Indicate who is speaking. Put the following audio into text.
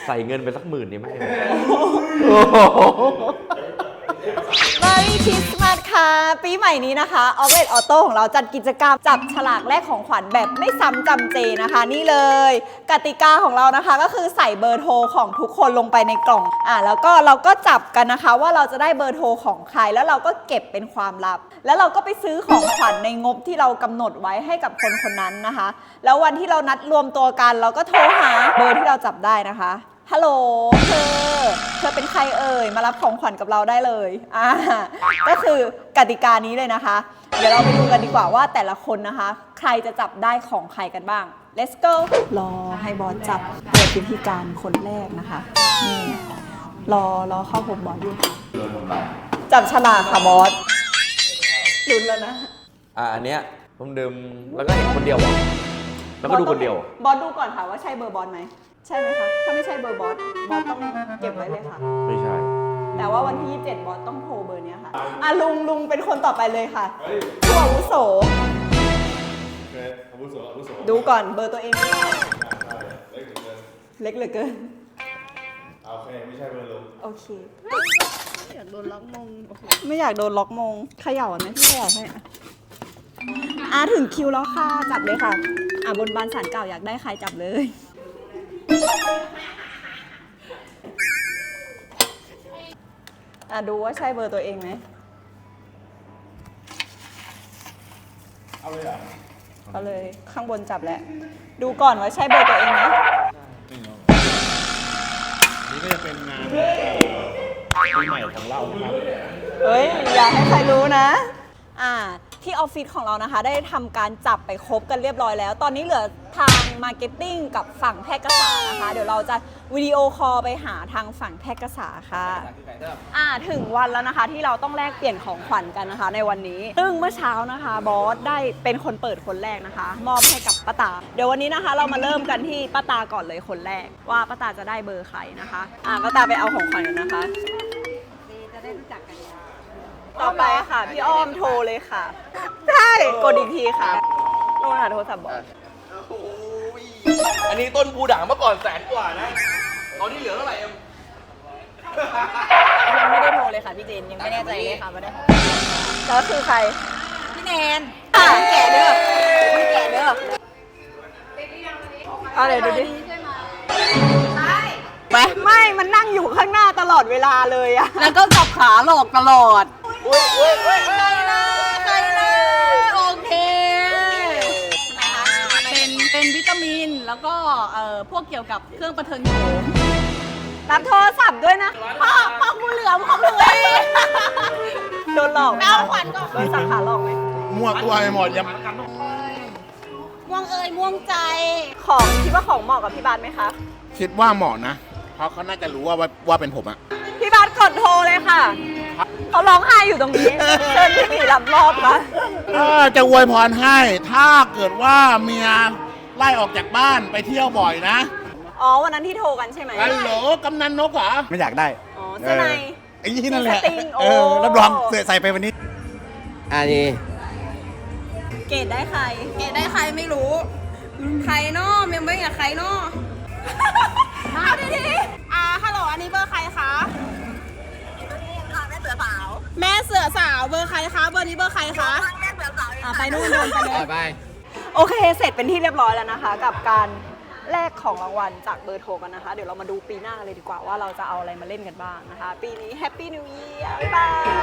Speaker 1: ใส่เงินไปสัก10,000นี่ไหม
Speaker 2: Merry Christmas ค่ะ ปีใหม่นี้นะคะ Outlet Auto ของเราจัดกิจกรรมจับฉลากแลกของขวัญแบบไม่ซ้ำจำเจนะคะ นี่เลย กติกาของเรานะคะก็คือใส่เบอร์โทรของทุกคนลงไปในกล่องแล้วก็เราก็จับกันนะคะว่าเราจะได้เบอร์โทรของใครแล้วเราก็เก็บเป็นความลับ แล้วเราก็ไปซื้อของขวัญในงบที่เรากำหนดไว้ให้กับคนคนนั้นนะคะ แล้ววันที่เรานัดรวมตัวกันเราก็โทรหาเบอร์ที่เราจับได้นะคะฮัลโหลเธอเป็นใครเอ่ยมารับของขวัญกับเราได้เลยก็คือกติกานี้เลยนะคะ เดี๋ยวเราไปดูกันดีกว่าว่าแต่ละคนนะคะ ใครจะจับได้ของใครกันบ้าง let's go รอให้บอสจับเปิดพิธีการคนแรกนะคะนี่รอเข้าผมบอสอยู่จับฉลากค่ะบอสลุ้นแล้วนะ
Speaker 1: อันเนี้ยผมดื่มแล้วก็เห็นคนเดียวแล้วก็ดูคนเดียว
Speaker 2: บอสดูก่อนค่ะว่าใช่เบอร์บอสไหมใช่ไหมคะถ้าไม่ใช่เบอร์บอสต้องเก็บไว้เลยค่ะ
Speaker 1: ไม่ใช่
Speaker 2: แต่ว่าวันที่27บอสต้องโทรเบอร์นี้ค่ะลุงเป็นคนต่อไปเลยค่ะผู้อาวุโสดูก่อนเบอร์ตัวเองเล็กเหลือเกิน
Speaker 3: โอเคไม่ใช่เบอร์ลุง
Speaker 2: โอเคไม่อยากโดนล็อกมงไม่อยากโดนล็อกมงเขย่าไหมพี่เขย่าให้ถึงคิวแล้วค่ะจับเลยค่ะบนบานศาลเก่าอยากได้ใครจับเลยดูว่าใช่เบอร์ตัวเองไหม
Speaker 3: เอาเลยเหรอ
Speaker 2: เอาเลยข้างบนจับแล้วดูก่อนว่าใช่เบอร์ตัวเองไหม
Speaker 3: นี่ก็จะเป็นงานปีใหม่ของเรานะครับ
Speaker 2: เฮ้ยอย่าให้ใครรู้นะที่ออฟฟิศของเรานะคะได้ทำการจับไปครบกันเรียบร้อยแล้วตอนนี้เหลือทางมาร์เก็ตติ้งกับฝั่งแพร่กษานะคะเดี๋ยวเราจะวิดีโอคอลไปหาทางฝั่งแพร่กษาค่ะถึงวันแล้วนะคะที่เราต้องแลกเปลี่ยนของขวัญกันนะคะในวันนี้ซึ่งเมื่อเช้านะคะบอสได้เป็นคนเปิดคนแรกนะคะมอบให้กับป้าตาเดี๋ยววันนี้นะคะเรามาเริ่มกันที่ป้าตาก่อนเลยคนแรกว่าป้าตาจะได้เบอร์ใครนะคะป้าตาไปเอาของขวัญกันนะคะจะได้รู้จักกันต่อไปค่ะพี่อ้อมโทรเลยค่ะใช่กดอีกทีค่ะโทรหาโทรศัพท์บอก
Speaker 1: อันนี้ต้นบูด่างเมื่อก่อน100,000 กว่านะตอนนี้เหลือเท่าไหร่
Speaker 2: ยังไม่ได้โทรเลยค่ะพี่เจนยังไม่แน่ใจเลยค่ะไม่ได้แล้วคือใครพี่แนนแก่เด้อพี่แก่เด้ออะไรดูดิไม่มันนั่งอยู่ข้างหน้าตลอดเวลาเลยอะแล้วก็จับขาหลอกตลอดใครนะโอเคเป็นวิตามินแล้วก็พวกเกี่ยวกับเครื่องประเทิงโฉมรับโทรศัพท์ด้วยนะพ่องูเหลือมของหนูโดนหลอกไหมเอาขวัญก่อนโดนสังขาหลอกไหม
Speaker 3: ม่วงตัวไปหมดยัง
Speaker 2: ม่วงม่วงใจของคิดว่าของเหมาะกับพี่บาสไหมคะ
Speaker 3: คิดว่าเหมาะนะเพราะเขาน่าจะรู้ว่าเป็นผมอะ
Speaker 2: พี่บาสกดโทรเลยค่ะเขาร้องไห้อยู่ตรงนี้เชิญพี่หมีรับรอบนะ
Speaker 3: จะอวยพรให้ถ้าเกิดว่าเมียไล่ออกจากบ้านไปเที่ยวบ่อยนะ
Speaker 2: วันนั้นที่โทรกันใช่ไหม
Speaker 3: ฮัลโหลกำนันนกเหรอ
Speaker 4: ไม่อยากได้
Speaker 2: เสื้อใน
Speaker 4: ไอ้ที่นั่นแหละรับรองใส่ไปวันนี้
Speaker 1: นี่
Speaker 2: เกดได้ใครไม่รู้ใครเนาะเมมเบอร์กับใครเนาะมาดิฮัลโหลอันนี้เบอร์ใครคะแม่เสือสาวเบอร์ใครคะเบอร์นี้เบอร์ใครคะไปนู่นเดินไปเลย
Speaker 1: ไป
Speaker 2: โอเคเสร็จเป็นที่เรียบร้อยแล้วนะคะกับการแลกของรางวัลจากเบอร์โทรกันนะคะเดี๋ยวเรามาดูปีหน้าเลยดีกว่าว่าเราจะเอาอะไรมาเล่นกันบ้างนะคะปีนี้แฮปปี้นิวเยียร์บ๊ายบาย